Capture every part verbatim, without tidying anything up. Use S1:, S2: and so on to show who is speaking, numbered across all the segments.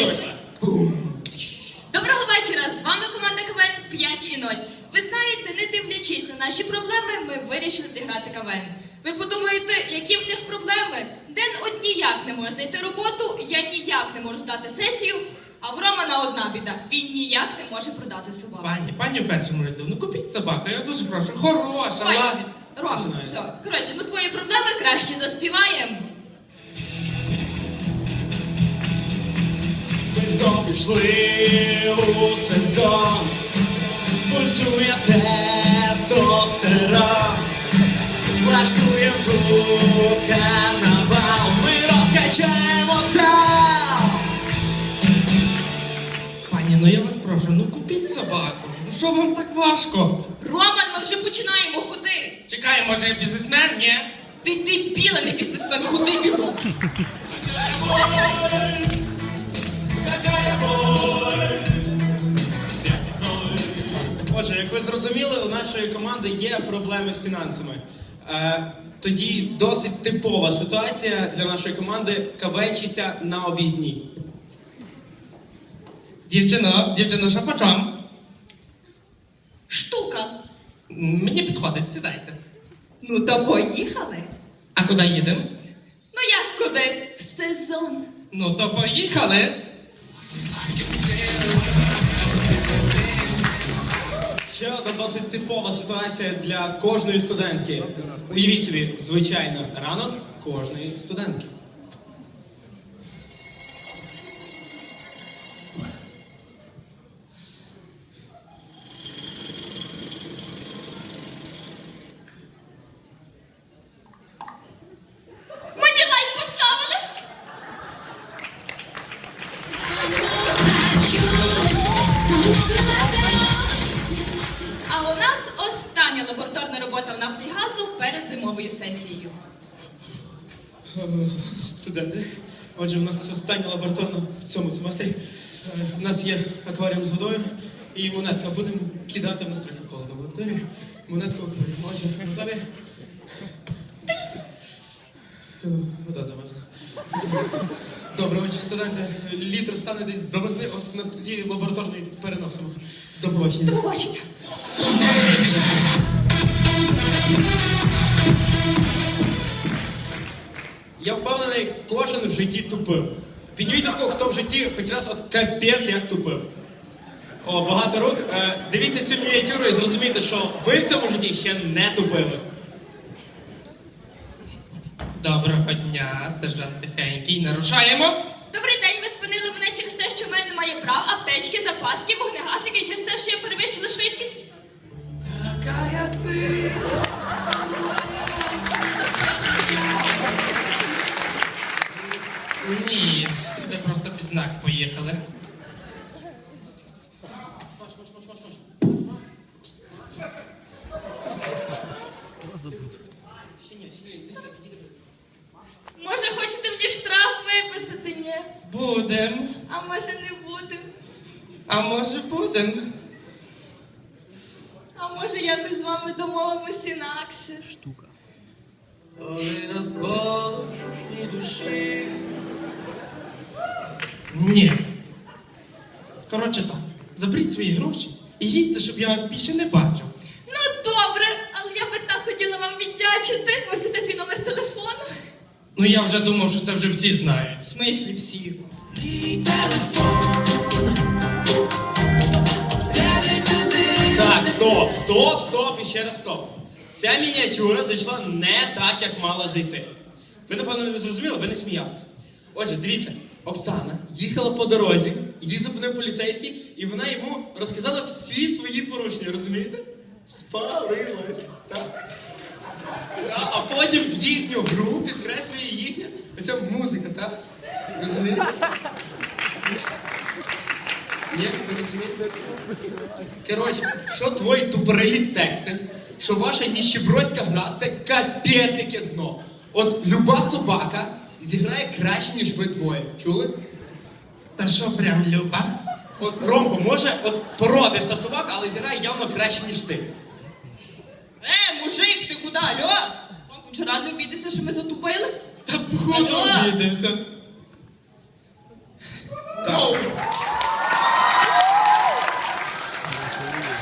S1: точно.
S2: Доброго вечора, з вами команда КВН п'ять і нуль. Ви знаєте, не дивлячись на наші проблеми, ми вирішили зіграти КВН. Ви подумаєте, які в них проблеми? Ден от ніяк не може знайти роботу, я ніяк не можу здати сесію, а в Романа одна біда, він ніяк не може продати собаку.
S1: Пані, пані в першому ряду, ну купіть собаку, я дуже прошу, хороша,
S2: Ой,
S1: лагідна.
S2: Ром, все, коротше, ну твої проблеми краще заспіваємо.
S3: Ми знов пішли у сезон, пульсує тестостерон, влаштуєм тут карнавал, ми розкачаємо зал.
S1: Пані, ну я вас прошу, ну купіть собаку. Ну що вам так важко?
S2: Роман, ми вже починаємо ходи.
S1: Чекай, може я бізнесмен, ні?
S2: Ти дебіла, не бізнесмен, ходи бігом.
S3: Отже, як ви зрозуміли, у нашої команди є проблеми з фінансами. Е, тоді досить типова ситуація для нашої команди – кавечиця на об'їзній.
S1: Дівчино, дівчино, що по чому?
S2: Штука.
S1: Мені підходить, сідайте.
S2: Ну то поїхали.
S1: А куди їдемо?
S2: Ну як куди? В сезон.
S1: Ну то поїхали.
S3: Ще одна досить типова ситуація для кожної студентки. З- Уявіть собі, звичайно, ранок кожної студентки.
S2: Мені лайк поставили. А у нас остання лабораторна робота в Нафтогазу перед зимовою сесією.
S3: Е, Студенти, отже, у нас остання лабораторна в цьому семестрі. Е, У нас є акваріум з водою і монетка. Будемо кидати в нас трохи холодно в аудиторії. Монетку акваріум. Отже, готові? Е, Вода замерзла. Добре, отже, студенти, літр стане десь до весни, от на тоді лабораторний переносимо. До побачення.
S2: До побачення.
S3: Я впевнений, кожен в житті тупив. Підніміть руку, хто в житті хоч раз от капець як тупив. О, багато рук. Е, дивіться цю мініатюру і зрозумійте, що ви в цьому житті ще не тупили.
S1: Доброго дня, сержант Тихенький. Нарушаємо.
S2: Добрий день, ви спинили мене через те, що в мене немає прав, аптечки, запаски, вогнегасники і через те, що я перевищила швидкість.
S3: Така як ти.
S1: Ні, це просто під знак поїхали.
S2: Може, хочете мені штраф виписати? Ні.
S1: Будем.
S2: А може не будем?
S1: А може будем.
S2: А може якось з вами домовимось інакше?
S3: Коли навколо ні душі.
S1: Ні. Коротше так, заберіть свої гроші і їдьте, щоб я вас більше не бачив.
S2: Ну добре, але я би так хотіла вам віддячити. Можете дати свій номер телефону?
S1: Ну я вже думав, що це вже всі знають.
S2: В смислі всі?
S3: Так, стоп, стоп, стоп і ще раз стоп. Ця мініатюра зайшла не так, як мала зайти. Ви, напевно, не зрозуміли, ви не сміялися. Отже, дивіться, Оксана їхала по дорозі, її зупинив поліцейський, і вона йому розказала всі свої порушення, розумієте? Спалилась. Так. Та, а потім їхню гру підкреслює їхня оця музика, так? Розумієте? Ні, не розумієте? Коротше, що твої тупорилі тексти, що ваша ніщебродська гра – це капець яке дно. От люба собака зіграє краще, ніж ви двоє. Чули?
S1: Та що прям люба?
S3: От Ромко, може, от породиста собака, але зіграє явно краще, ніж ти.
S2: Е, мужик, ти куди, алло? Вам хоч рано обідався, що ми затупили?
S1: Та походу
S2: Алло?
S1: обідався.
S3: Так.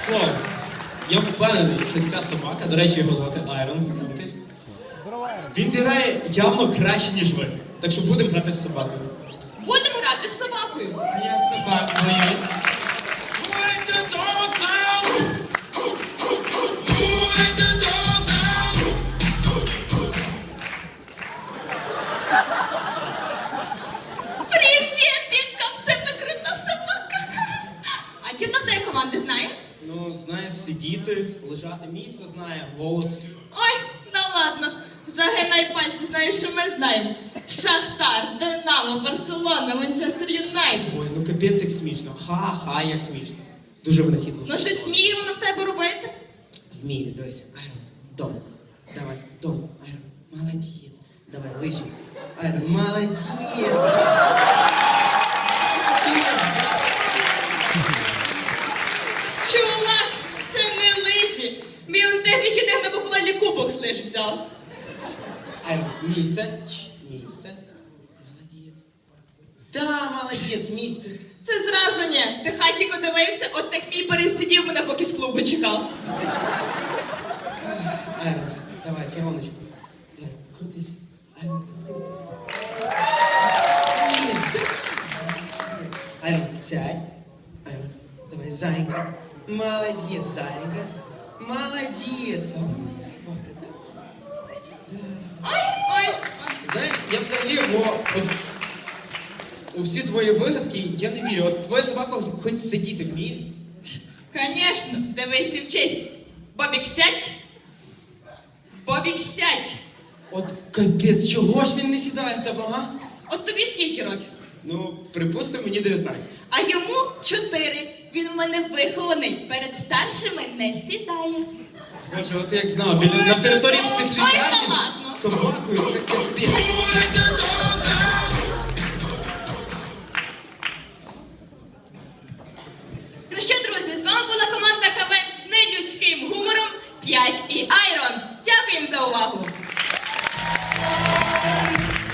S3: слово, я впевнений, що ця собака, до речі, його звати Айрон, знайомтесь. Він зіграє явно краще, ніж ви. Так що будемо грати з собакою.
S2: Будемо грати з собакою.
S1: А я собак боюсь.
S2: Привіт, яка в тебе крута собака. А кіно тієї команди знає?
S3: Ну, знає сидіти, лежати, місце знає, голос.
S2: Ой, да ладно. Загинай пальці, знаєш, що ми знаємо. Шахтар, Динамо, Барселона, Манчестер Юнайтед.
S3: Ой, ну капець як смішно. Ха-ха, як смішно. Дуже винахідливо.
S2: Ну щось вміє вона в тебе робити?
S4: Вміє, дивись. Айрон, дом. Давай, дом. Айрон, молодець. Давай, лижі. Айрон, молодець. Молодець.
S2: Чувак, це не лижі. Мій он те вихідних на буквально кубок з лиж взяв.
S4: Айрон, місце. Чш, місце. Молодець. Да, молодець, місце.
S2: Це зразу ні. Ти хатіко дивився, от так мій пересидів мене, поки з клубу чекав.
S4: Айрон, давай, короночку. Давай, крутись. Айрон, крутись. Місце. Айрон, сядь. Айрон, давай, зайка. Молодец, зайка. Молодец. А вона моя собака, да?
S2: Ой, ой, ой.
S3: Знаєш, я взагалі, о, от, у всі твої вигадки я не вірю. От твоя собака хоч сидіти вміє.
S2: Конечно, дивись і вчись. Бобік, сядь. Бобік, сядь.
S3: От капець, чого ж він не сідає в тебе, ага?
S2: От тобі скільки років?
S3: Ну, припустимо, мені дев'ятнадцять.
S2: А йому чотири. Він у мене вихований. Перед старшими не сідає.
S3: Боже, от як знав, він на території
S2: Ой,
S3: психлікарні
S2: та ладно.
S3: з собакою, це капець.
S2: Ну що, друзі, з вами була команда КВН з нелюдським гумором п'ять і Айрон. Дякуємо за увагу.